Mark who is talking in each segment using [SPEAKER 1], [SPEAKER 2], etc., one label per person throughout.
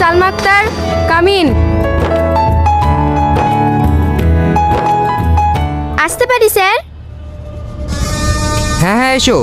[SPEAKER 1] Salma Akter, come in. আসতে পারি sir?
[SPEAKER 2] হ্যাঁ হ্যাঁ, এসো।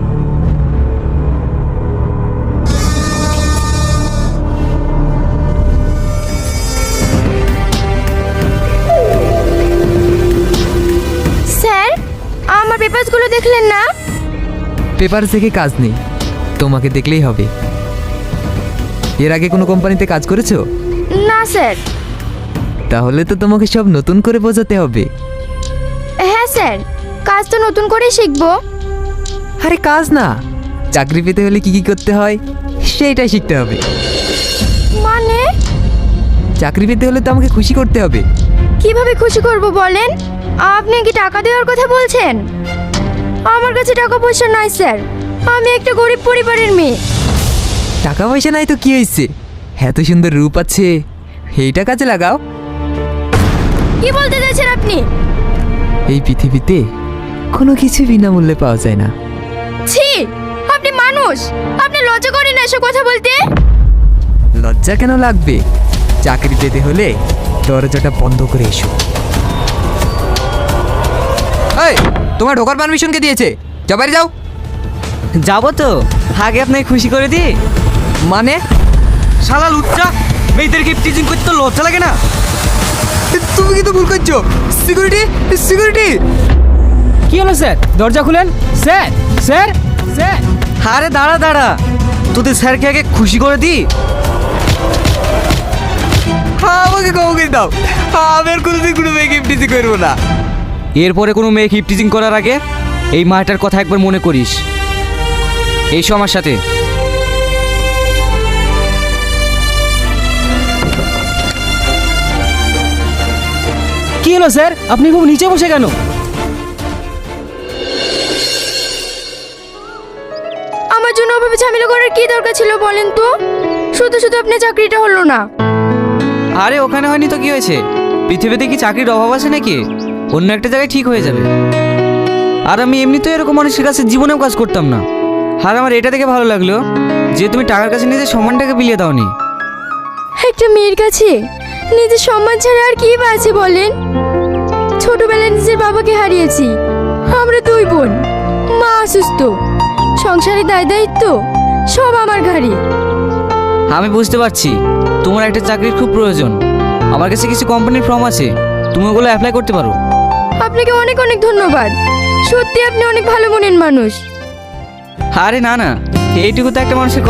[SPEAKER 1] স্যার, আমার পেপারসগুলো দেখলেন না?
[SPEAKER 2] পেপার দেখে কাজ নেই, তোমাকে দেখলেই হবে। এর আগে কোনো কোম্পানিতে কাজ করেছো?
[SPEAKER 1] না স্যার।
[SPEAKER 2] তাহলে তো তোমাকে সব নতুন করে বোঝাতে হবে।
[SPEAKER 1] হ্যাঁ স্যার, কাজ তো নতুন করেই শিখবো।
[SPEAKER 2] আরে কাজ না, চাকরি পেতে হলে কি কি করতে হয় সেইটাই শিখতে হবে।
[SPEAKER 1] মানে?
[SPEAKER 2] চাকরি পেতে হলে তো আমাকে খুশি করতে হবে।
[SPEAKER 1] কিভাবে খুশি করব বলেন? আপনি কি টাকা দেওয়ার কথা বলছেন? আমার কাছে টাকা পয়সা নাই স্যার, আমি একটা গরিব পরিবারের মেয়ে।
[SPEAKER 2] টাকা পয়সা নাই তো কি হয়েছে, এত সুন্দর রূপ আছে, এইটা কাজে লাগাও।
[SPEAKER 1] কি বলতে চাইছেন আপনি?
[SPEAKER 2] এই পৃথিবীতে কোনো কিছু বিনামূল্যে পাওয়া যায় না।
[SPEAKER 1] ছি, আপনি মানুষ, আপনি লজ্জা করেন না এসব কথা বলতে?
[SPEAKER 2] লজ্জা কেন লাগবে? চাকরি পেতে হলে দরজাটা বন্ধ করে এসো। এই, তোমার ঢোকার পারমিশন কে দিয়েছে? যাও, বাড়ি যাও।
[SPEAKER 3] যাবো তো, আগে আপনাকে খুশি করে দি।
[SPEAKER 2] মানে?
[SPEAKER 3] শালা লুচ্চা, মেয়েদেরকে টিচিং করতে তো লজ্জা লাগে না?
[SPEAKER 2] তুমি কিন্তু ভুল করছো। Security, security.
[SPEAKER 3] কি হলো স্যার? দরজা খুলেন। Sir, sir, sir. আরে দাঁড়া দাঁড়া, তোদের স্যারকে আগে খুশি করে দি।
[SPEAKER 2] হ্যাঁ, আমাকে ক্ষমা করে দাও, আমি আর কোনোদিন কোনো মেয়েকে টিচিং করবো না।
[SPEAKER 3] এরপরে কোনো মেয়ে হিপ টিচিং করার আগে এই মাটার কথা একবার মনে করিস। এইসো আমার সাথে। কি হলো স্যার, আপনি খুব নিচে বসে কেন?
[SPEAKER 1] আমার জন্য ওভাবে ঝামেলা করার কি দরকার ছিল বলেন তো? শুধু শুধু আপনার চাকরিটা হলো না।
[SPEAKER 3] আরে ওখানে হয়নি তো কি হয়েছে? পৃথিবীতে কি চাকরির অভাব আছে নাকি? অন্য একটা জায়গায় ঠিক হয়ে যাবে। আর আমি এমনি তো এরকম মানুষের কাছে জীবনেও কাজ করতাম না। আর আমার এটা দেখে ভালো লাগলো যে তুমি টাকার কাছে নিজের সম্মানটাকে বিলিয়ে দাওনি।
[SPEAKER 1] একটা মেয়ের কাছে নিজের সম্মান ছাড়া আর কি বা আছে বলেন? ছোটবেলায় নিজের বাবাকে হারিয়েছি, আমরা দুই বোন, মা অসুস্থ, সংসারে দায় দায়িত্ব সব আমার ঘাড়ে।
[SPEAKER 3] আমি বুঝতে পারছি তোমার একটা চাকরির খুব প্রয়োজন। আমার কাছে কিছু কোম্পানির ফর্ম আছে, তুমি ওগুলো অ্যাপ্লাই করতে পারো।
[SPEAKER 1] আপনাকে অনেক অনেক ধন্যবাদ, সত্যি আপনি অনেক ভালো মনের মানুষ।
[SPEAKER 3] আরে না না, এইটুকু তো একটা মানুষের